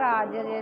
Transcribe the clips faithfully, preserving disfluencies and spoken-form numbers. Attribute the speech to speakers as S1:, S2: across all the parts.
S1: ਰਾਜ ਜੇ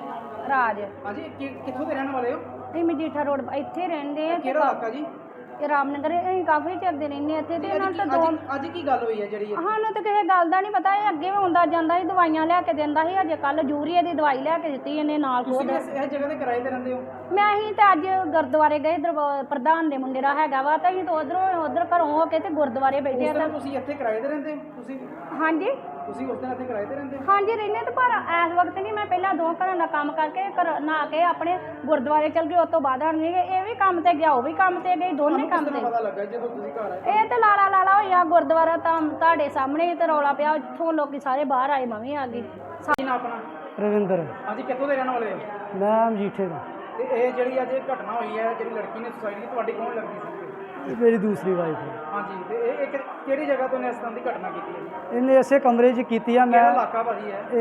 S1: ਰਾਜ
S2: ਹਾਂਜੀ ਕਿ- ਕਿੱਥੋਂ ਦੇ ਰਹਿਣ ਵਾਲੇ ਹੋ?
S1: ਅਸੀਂ ਮਜੀਠਾ ਰੋਡ ਇੱਥੇ ਰਹਿੰਦੇ ਆ
S2: ਕਿਹੜਾ ਇਲਾਕਾ ਜੀ?
S1: ਇਹ ਰਾਮਨਗਰ ਅਸੀਂ ਕਾਫੀ ਚਿਰ ਦੇ ਰਹਿੰਦੇ ਇੱਥੇ ਤੇ ਇਹਨਾਂ
S2: ਅੱਜ
S1: ਤੋਂ
S2: ਕੀ-
S1: ਦੋ
S2: ਅੱਜ- ਅੱਜ ਕੀ ਗੱਲ ਹੋਈ ਹੈ ਜਿਹੜੀ ਇਹ?
S1: ਸਾਨੂੰ ਤਾਂ ਕਿਸੇ ਗੱਲ ਦਾ ਨਹੀਂ ਪਤਾ। ਇਹ ਅੱਗੇ ਵੀ ਆਉਂਦਾ ਜਾਂਦਾ ਸੀ, ਦਵਾਈਆਂ ਲਿਆ ਕੇ ਦਿੰਦਾ ਸੀ। ਅਜੇ ਕੱਲ ਯੂਰੀਆ ਦੀ ਦਵਾਈ ਲਿਆ ਕੇ ਦਿੱਤੀ ਇਹਨੇ ਨਾਲ
S2: ਤੁਸੀਂ
S1: ਖੁਦ।
S2: ਵੀ ਇਸ ਇਸ ਜਗ੍ਹਾ ਤੇ ਕਿਰਾਏ ਤੇ ਰਹਿੰਦੇ ਹੋ?
S1: ਮੈਂ ਹੀ ਤੇ ਅੱਜ ਗੁਰਦੁਆਰੇ ਗਏ, ਦਰਬਾ- ਪ੍ਰਧਾਨ ਦੇ ਮੁੰਡੇ ਦਾ ਹੈਗਾ ਵਾ, ਤਾਂ ਅਸੀਂ ਤਾਂ ਉਧਰੋਂ ਉਧਰ ਘਰੋਂ ਹੋ ਕੇ ਤੇ ਗੁਰਦੁਆਰੇ ਬੈਠੇ ਆ
S2: ਉਸ
S1: ਤਾਂ
S2: ਦਿਨ ਤੁਸੀਂ ਇੱਥੇ ਕਿਰਾਏ ਤੇ ਰਹਿੰਦੇ ਹੋ? ਤੁਸੀਂ
S1: ਹਾਂਜੀ
S2: ਤੁਸੀਂ ਉਸ ਦਿਨ ਇੱਥੇ ਕਿਰਾਏ ਤੇ ਰਹਿੰਦੇ ਹੋ?
S1: ਹਾਂਜੀ ਰਹਿੰਦੇ ਤੇ ਪਰ ਇਸ ਵਕਤ ਨਹੀਂ। ਮੈਂ ਪਹਿਲਾਂ ਦੋ ਘਰਾਂ ਦਾ ਕੰਮ ਕਰਕੇ ਘਰ ਨਹਾ ਕੇ ਆਪਣੇ ਗੁਰਦੁਆਰੇ ਚਲ ਗਈ। ਉਸ ਤੋਂ ਬਾਅਦ ਆਣ ਗਏ, ਇਹ ਵੀ ਕੰਮ ਤੇ ਗਿਆ, ਉਹ ਵੀ ਕੰਮ ਤੇ ਗਈ, ਦੋਨੇ ਕੰਮ
S2: ਤੁਹਾਨੂੰ
S1: ਤੇ।
S2: ਪਤਾ ਲੱਗਾ ਜਦੋਂ ਤੁਸੀਂ ਘਰ ਆਏ?
S1: ਇਹ ਤੇ ਲਾਲਾ ਲਾਲਾ ਹੋਇਆ ਗੁਰਦੁਆਰਾ ਤਾਂ ਤੁਹਾਡੇ ਸਾਹਮਣੇ ਹੀ ਤੇ ਰੌਲਾ ਪਿਆ, ਇੱਥੋਂ ਲੋਕੀ ਸਾਰੇ ਬਾਹਰ ਆਏ, ਮੈਂ ਵੀ ਆ ਗਈ।
S2: ਕੀ ਨਾਮ ਆਪਣਾ?
S3: ਰਵਿੰਦਰ।
S2: ਹਾਂਜੀ ਕਿੱਥੋਂ ਦੇ ਰਹਿਣ ਵਾਲੇ ਹੋ?
S3: ਮੈਂ ਮਜੀਠੇ ਦਾ।
S2: ਤੇ ਇਹ ਜਿਹੜੀ ਅੱਜ ਇਹ ਘਟਨਾ ਹੋਈ ਹੈ, ਜਿਹੜੀ ਲੜਕੀ ਨੇ ਸੁਸਾਈਡ ਕੀਤੀ, ਤੁਹਾਡੀ ਕੌਣ ਲੱਗਦੀ ਸੀ?
S3: ਇਹ ਮੇਰੀ ਦੂਸਰੀ ਵਾਈਫ ਹੈ।
S2: ਹਾਂਜੀ ਤੇ ਇਹ ਇਹ ਕਿ- ਕਿਹੜੀ ਜਗ੍ਹਾ ਤੋਂ ਨੇ ਇਸ ਤਰ੍ਹਾਂ ਦੀ ਘਟਨਾ ਕੀਤੀ ਹੈ?
S3: ਇਹਨੇ ਇਸੇ ਕਮਰੇ 'ਚ ਕੀਤੀ ਆ।
S2: ਕਿਹੜਾ
S3: ਮੈਂ
S2: ਇਲਾਕਾ ਭਾਜੀ ਹੈ?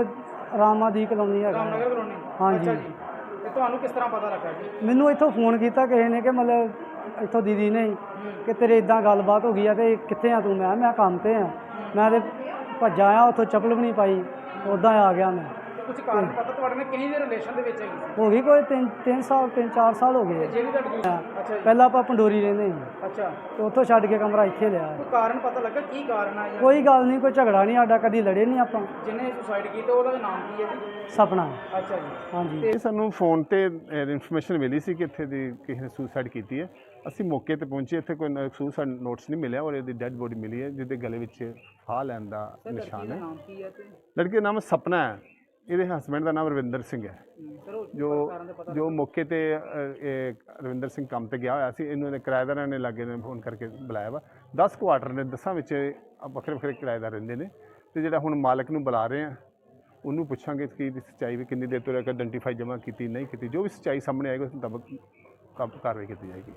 S3: ਇਹ ਰਾਮਾਦੀ ਕਲੋਨੀ ਹੈਗਾ।
S2: ਰਾਮਨਗਰ ਕਲੋਨੀ?
S3: ਹਾਂਜੀ।
S2: ਅੱਛਾ ਜੀ। ਤੇ ਤੁਹਾਨੂੰ ਕਿਸ ਤਰ੍ਹਾਂ ਪਤਾ ਲੱਗਾ ਜੀ?
S3: ਮੈਨੂੰ ਇੱਥੋਂ ਫੋਨ ਕੀਤਾ ਕਿਸੇ ਨੇ ਕਿ ਮਤਲਬ ਇੱਥੋਂ ਦੀਦੀ ਨੇ ਕਿ ਤੇਰੇ ਇਦਾਂ ਗੱਲਬਾਤ ਹੋ ਗਈ ਆ ਤੇ ਕਿੱਥੇ ਆ ਤੂੰ? ਮੈਂ ਮੈਂ ਕੰਮ ਤੇ ਆ। ਮੈਂ ਤੇ ਭੱਜਾ ਆ, ਉੱਥੋਂ ਚੱਪਲ ਵੀ ਨਹੀਂ ਪਾਈ, ਉੱਦਾਂ ਆ ਗਿਆ ਮੈਂ।
S2: ਕੁਝ ਕਾਰਨ ਪਤਾ ਤੁਹਾਡੇ ਨਾਲ ਕਿੰਨੀ ਦੇ ਰਿਲੇਸ਼ਨ ਦੇ ਵਿੱਚ ਹੈਗੀ ਸੀ?
S3: ਹੋ ਗਈ ਕੋਈ ਤਿੰਨ ਤਿੰਨ ਸਾਲ ਤਿੰਨ ਚਾਰ ਸਾਲ ਹੋ ਗਏ।
S2: ਜਿਹੜੀ ਤੁਹਾਡੀ ਦੂਸਰੀ? ਅੱਛਾ ਜੀ।
S3: ਪਹਿਲਾਂ ਆਪਾਂ ਪੰਡੋਰੀ ਰਹਿੰਦੇ ਸੀ
S2: ਅੱਛਾ।
S3: ਤੇ ਉੱਥੋਂ ਛੱਡ ਕੇ ਕਮਰਾ ਇੱਥੇ ਲਿਆ।
S2: ਕੋਈ ਕਾਰਨ ਪਤਾ ਲੱਗਾ ਕੀ ਕਾਰਨ ਆ?
S3: ਕੋਈ ਗੱਲ ਨਹੀਂ, ਕੋਈ ਝਗੜਾ ਨਹੀਂ ਸਾਡਾ, ਕਦੀ ਲੜੇ ਨਹੀਂ ਆਪਾਂ।
S2: ਜਿਹਨੇ ਸੁਸਾਈਡ ਕੀਤਾ ਉਹਦਾ ਨਾਮ ਕੀ ਹੈ ਜੀ?
S3: ਸਪਨਾ।
S2: ਅੱਛਾ ਜੀ।
S3: ਹਾਂਜੀ।
S4: ਇਹ ਸਾਨੂੰ ਫੋਨ ਤੇ ਇਨਫੋਰਮੇਸ਼ਨ ਮਿਲੀ ਸੀ ਕਿ ਇੱਥੇ ਦੀ ਕਿਸੇ ਨੇ ਸੁਸਾਈਡ ਕੀਤੀ ਹੈ। ਅਸੀਂ ਮੌਕੇ ਤੇ ਪਹੁੰਚੇ, ਇੱਥੇ ਕੋਈ ਸੁਸਾਈਡ ਨੋਟਸ ਨਹੀਂ ਮਿਲਿਆ ਔਰ ਇਹਦੀ ਡੈੱਡ ਬੋਡੀ ਮਿਲੀ ਹੈ ਜਿਹਦੇ ਗਲੇ ਵਿੱਚ ਫਾਹ ਲੈਣ ਦਾ ਨਿਸ਼ਾਨ ਹੈ।
S2: ਨਾਮ ਕੀ ਹੈ ਤੇ
S4: ਲੜਕੀ ਦਾ ਨਾਮ ਸਪਨਾ ਹੈ, ਇਹਦੇ ਹਸਬੈਂਡ ਦਾ ਨਾਮ ਰਵਿੰਦਰ ਸਿੰਘ ਹੈ।
S2: ਸਰ ਉਹ
S4: ਜੋ ਜੋ ਮੌਕੇ ਤੇ ਅ, ਇਹ ਰਵਿੰਦਰ ਸਿੰਘ ਕੰਮ ਤੇ ਗਿਆ ਹੋਇਆ ਸੀ, ਇਹਨੂੰ ਇਹਨੇ ਕਿਰਾਏਦਾਰਾਂ ਨੇ ਲਾਗੇ ਨੇ ਫੋਨ ਕਰਕੇ ਬੁਲਾਇਆ ਵਾ। ਦਸ ਕੁਆਟਰ ਨੇ, ਦਸਾਂ ਵਿੱਚ ਵੱਖਰੇ ਵੱਖਰੇ ਕਿਰਾਏਦਾਰ ਰਹਿੰਦੇ ਨੇ ਤੇ ਜਿਹੜਾ ਹੁਣ ਮਾਲਕ ਨੂੰ ਬੁਲਾ ਰਹੇ ਆ, ਉਹਨੂੰ ਪੁੱਛਾਂਗੇ ਕਿ ਇਹਦੀ ਸੱਚਾਈ ਵੀ ਕਿੰਨੀ ਦੇਰ ਤੋਂ ਲੈ ਕੇ ਆਇਡੈਂਟੀਫਾਈ ਜਮ੍ਹਾਂ ਕੀਤੀ ਨਹੀਂ ਕੀਤੀ। ਜੋ ਵੀ ਸੱਚਾਈ ਸਾਹਮਣੇ ਆਏਗੀ ਉਸ ਮੁਤਾਬਕ ਕਾਰਵਾਈ ਕੀਤੀ ਜਾਏਗੀ।